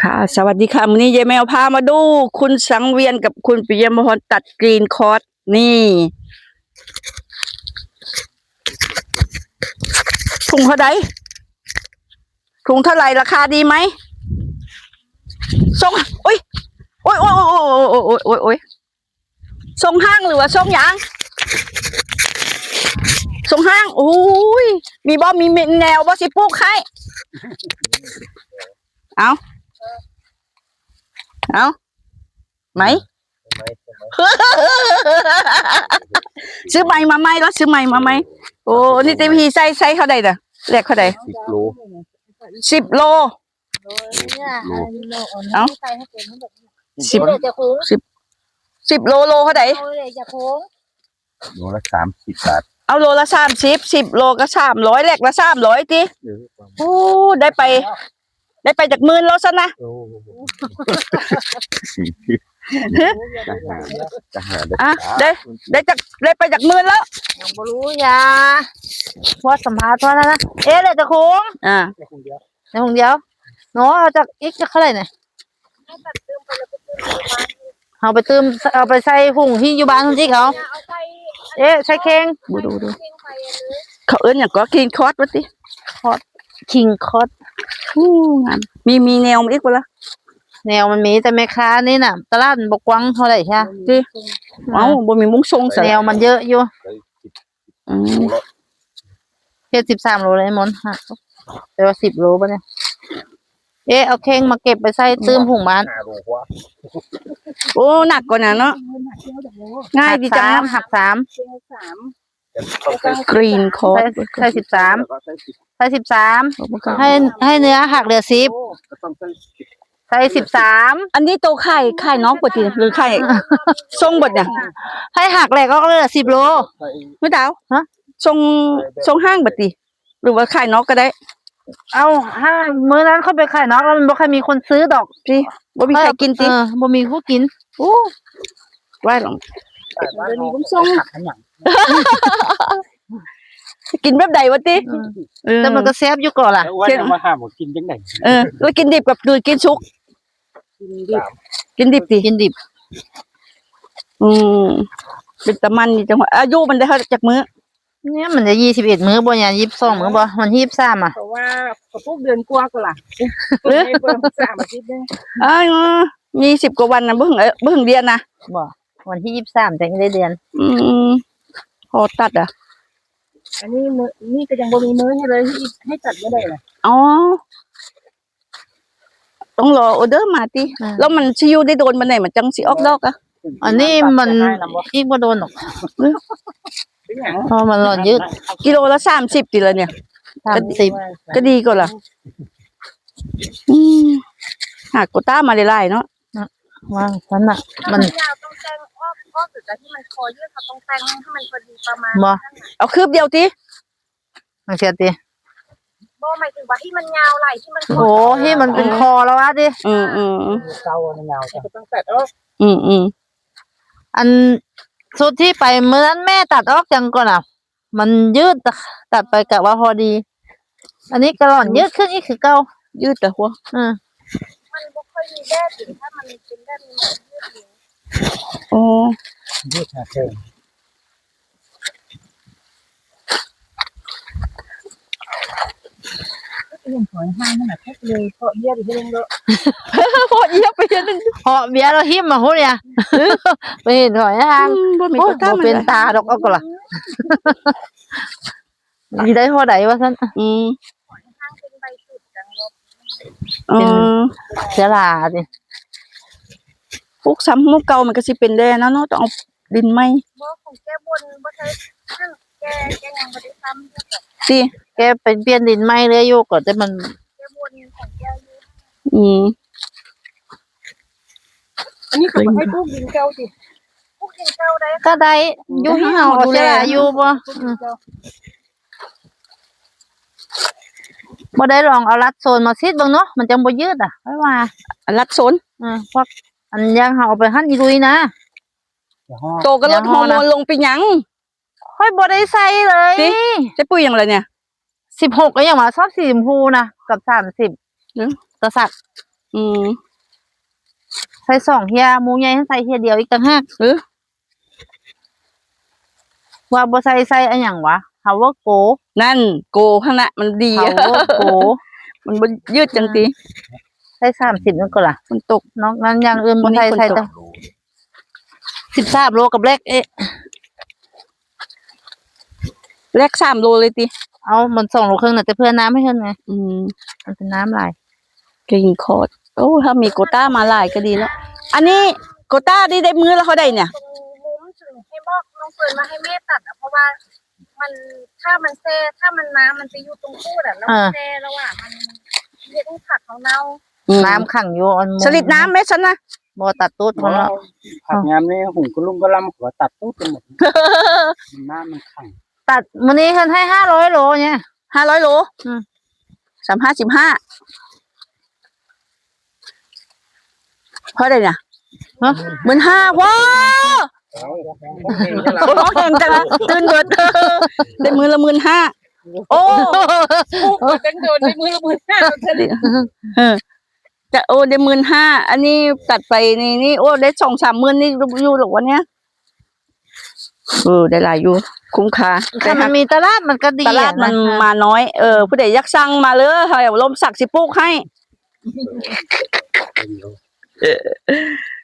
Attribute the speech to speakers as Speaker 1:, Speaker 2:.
Speaker 1: ค่ะสวัสดีค่ะวันนี้ยายแมวพามาดูคุณสังเวียนกับคุณปิยมพรตัดกรีนคอร์สนี่ถุงเท่าไหร่ถุงเท่าไหร่ราคาดีไหมส่งโอ้ยโอ้ยโอ้ยโอ้ยโอ้ยโอ้ยโอ้ยโอ้ยส่งห้างหรือว่าส่งยางส่งห้างโอ้ยมีบ่มีแนวบ่สิปลูกให้เอาไหมซื้อใหม่มาไหมแล้วซื้อใหม่มาไหมโอ้นี่เต็มที่ใส่เขาได้น่ะแลกเขาได้10 โลเอา10 โลเขาได้
Speaker 2: โลละ30 บาท
Speaker 1: เอาโลละ30 10 โลก็300แลกละ300ติโอ้ได้ไปจาก10,000แล้วซะนะอ่ะได้ไปจาก10,000แล้ว
Speaker 3: ยังบ่รู้ยาพอสัมภาษณ์พอแล้วนะเลยจะโค้งในคงเดียวเนาะเอาจากอีกจะเท่าไหร่เนี่ยเอาไปเติมเอาไปใส่หุ่งที่อยู่บ้านคุณที่เขาใส่เค้ง
Speaker 1: ดูเขาเอิ้นอย่างก็คิงคอร์สวะติ
Speaker 3: คอร์สคิงคอร์ส
Speaker 1: งามมีแนวอีกบ่ล่ะ
Speaker 3: แนวมันมีแต่แม่ค้านี่น่ะตลาดบ่กว้างเท่าไหร่ใช่
Speaker 1: ติเอ้าบ่มีมุ้งทรงซะ
Speaker 3: แนวมันเยอะอยู่เฮ็ด13 โลเลยมนฮะแต่ว่า10 โลป่ะเนี่ยเอาเค้งมาเก็บไปใส่ตื้มหุ่งบ้าน
Speaker 1: โอ้หนักกว่านั้นเนาะง่ายดีจัง
Speaker 3: หัก3
Speaker 1: กรีนคอร์ส
Speaker 3: ใส่13ให้เนื้อหักเหลือ10ใส่13
Speaker 1: อันนี้โตไข่น้องปกติหรือไข่ทรงบดเนี่ย
Speaker 3: ให้หักแหลกก็เหลือ10 โล
Speaker 1: ไม่ดาวฮะทรงห้างบดติหรือว่าไข่น้องก็ได้
Speaker 3: เอาห้างมื้อนั้นเขาไปขายนอกแล้วมันบ่ค่อยมีคนซื้อดอก
Speaker 1: ติบ่มีใครกินติ
Speaker 3: บ่มีผู้กิน
Speaker 1: โอ้ว่าหรอมีบุ้งทรงกินแบบใดวะติ
Speaker 3: แต่มันก็แซ่บอยู่ก่อนล่ะ
Speaker 2: ว่าจะมาห้ามกินจังได๋
Speaker 1: แล้วกินดิบกับกินสุกกินดิบติ
Speaker 3: กินดิบ
Speaker 1: เป็นตะมันนี่จังหวะอายุมันได้เท่าจากมื้อ
Speaker 3: เนี่ยมันจะ21 มื้อบ่ยาน22 มื้อบ่มัน23อ่ะ
Speaker 4: เพราะว่าเขาปลูกเดือนกว่าก็ล่ะเพิ่ม3 อาทิตย์นึง
Speaker 1: มี10 กว่าวันนะบ่ถึงเดือนนะ
Speaker 3: บ่วันที่23จังได้เดือน
Speaker 1: พอตัดอ่ะ
Speaker 4: อันนี้นี่ก็ยังบ่มีมื้อให้เลยให้ตัดบ่ได้ล่ะ
Speaker 1: อ๋อต้องรอออเดอร์มาติแล้วมันสิอยู่ได้โดนบันไดมันจังสิออกดอกอ่ะ
Speaker 3: อันนี้มันอีกบ่โดนหรอกเพราะมันหล่อนยืด
Speaker 1: กิโลละ30ติละเนี่ย30ก็ดีกว่าล่ะหากโกต้ามาหลายๆเนาะ
Speaker 3: ว่าซั่นน่ะมัน
Speaker 4: ยาวต้องแต่งอ้อสุดแต่ที่มันคอยืดเขาต้องแต่งให้มันพอดีประมาณ
Speaker 3: บ่
Speaker 1: เอาคืบเดียวติ
Speaker 3: จังซี่ติ
Speaker 4: บ่หมายถึงว่าที่มันยาวไหล่ที่มัน
Speaker 3: โอ้ที่มันเป็นคอแล้วว่าติ
Speaker 4: เก่ามันยาวก็ต้องตัด
Speaker 3: อันสุดที่ไปเมื่อนั้นแม่ตัดออกจังก่อนอ่ะมันยืดตัดไปกะว่าพอดีอันนี้กระหล่อนยืดขึ้นอีกคือเก่า
Speaker 1: ยืดแต่หัว
Speaker 4: มันบ่ค่อยมีแดดถึงถ้ามันเป็นแดดมันยืด
Speaker 2: ยืดหาเพิ่ม
Speaker 4: ยังถอยห้างนั่นน่ะแค่เลยเพาะเยี่ยไปเรื่องเด้อ
Speaker 1: เพาะเยี่ยไปเรื่อง
Speaker 3: เพาะเบี้ยเราหิมมาโหเนี่ยไปเห็นถอยห้างบ่เป็นตาดอกเอาก็ล่ะมีได้พอใดว่าซั่น
Speaker 4: ห้างเป็นใบสุดจังลบ
Speaker 3: เป็นเสลาดิ
Speaker 1: พวกซ้ำมุกเก่ามันก็สิเป็นแดเนาะต้องเอาดินใหม่
Speaker 4: บ่ของแกบนบ่ใช่แกยังบ่ได้ทำ
Speaker 1: สิ
Speaker 3: แกเป็นเปลี่ยนดินใหม่เลยอยู่ก็แต่มัน
Speaker 4: แกบนของแกอยู่อันนี้ก็บ่ให้ปลูกดินเก่าสิปลูกดินเก่าได้
Speaker 3: ก็ได้อยู่ที่เฮาดูแลอยู่บ่ได้ลองเอารัดโซนมาซิดเบิ่งเนาะมันจังบ่ยืดอ่ะไว้ว่า
Speaker 1: รัดโซน
Speaker 3: พวกอันยังเฮาเอาไปหั่นอีลุยนะ
Speaker 1: โตก็ลดฮอร์โมนลงไปหยัง
Speaker 3: ค่อยบ่ได้ใส่เลย
Speaker 1: จะปุ๋ยหยังล่ะเนี่ย
Speaker 3: 16ก็ยังว่าชอบสีชมพูนะกับ30กระสัก
Speaker 1: อืม
Speaker 3: ใส่2เฮียหมูใหญ่ให้ใส่เฮียเดียวอีกต่างหาก
Speaker 1: เออ
Speaker 3: ว่าบ่ใส่อันหยังวะเฮาว่าโก
Speaker 1: นั่นโกข้างหน้ามันดี
Speaker 3: เฮาว่าโก
Speaker 1: มันบ่ยืดจังตี
Speaker 3: ใส่30นั่นก็ล่ะ
Speaker 1: มันตก
Speaker 3: นอกนั้นอย่างอื่นบ่
Speaker 1: วันนี้
Speaker 3: ใส่
Speaker 1: ฝนตก
Speaker 3: แต่13โลกับเล็ก
Speaker 1: แลก3 โลเลยติ
Speaker 3: เอามัน2โลครึ่งน่ะแต่เพื่อน้ำให้เพิ่นไง
Speaker 1: อืม
Speaker 3: มันเป็นน้ำหลาย
Speaker 1: กริงคอร์ดโอ้ถ้ามีโกต้ามาหลายก็ดีแล้ว อันนี้โกต้าได้มื้อแล้วเขาได้เนี่ย
Speaker 4: ตรงมุ้งถึงให้บอกน้องเฟิร์นมาให้แม่ตัดอ่ะเพราะว่ามันถ้ามันแซ่ถ้ามันน้ำมันจะอยู่ตรงพูดอ่ะแล้วมันแซ่แล้วอ่ะมันเฮ็ดให้ผักเขาเน่า
Speaker 3: น้ำขังอยู่อัน
Speaker 1: สลิดน้ำไหมฉันนะ
Speaker 3: บ่ตัดตูดเขาเนาะ
Speaker 2: ผักงามนี่หุงก็ลุ่มก็ล่ำหัวตัดปุ๊บกันหมดมันน้ำมันขัง
Speaker 3: ตัดมื้อนี้เพิ่นให้500โลเนี่ย
Speaker 1: 500 โล
Speaker 3: อืม
Speaker 1: 15เพราะอะไรเนี่ย
Speaker 3: ฮะ
Speaker 1: 15,000ว้าว
Speaker 2: เอา
Speaker 1: โอ้ร้องแข่งจังอะตื่นเบิดได้มื้อละ15,000โอ้
Speaker 4: จังโดนในมือละ15,000
Speaker 1: เออจะโอ้ได้15,000อันนี้ตัดไปนี่โอ้ได้2-3 มื้อนี่อยู่หรอกวันเนี้ยได้หลายอยู่คุ้มค่า
Speaker 3: ถ้ามันมีตลาดมันก็ดี
Speaker 1: ตลาดมันมาน้อยผู้ใดอยากสั่งมาเลยเฮาลมสักสิปลูกให้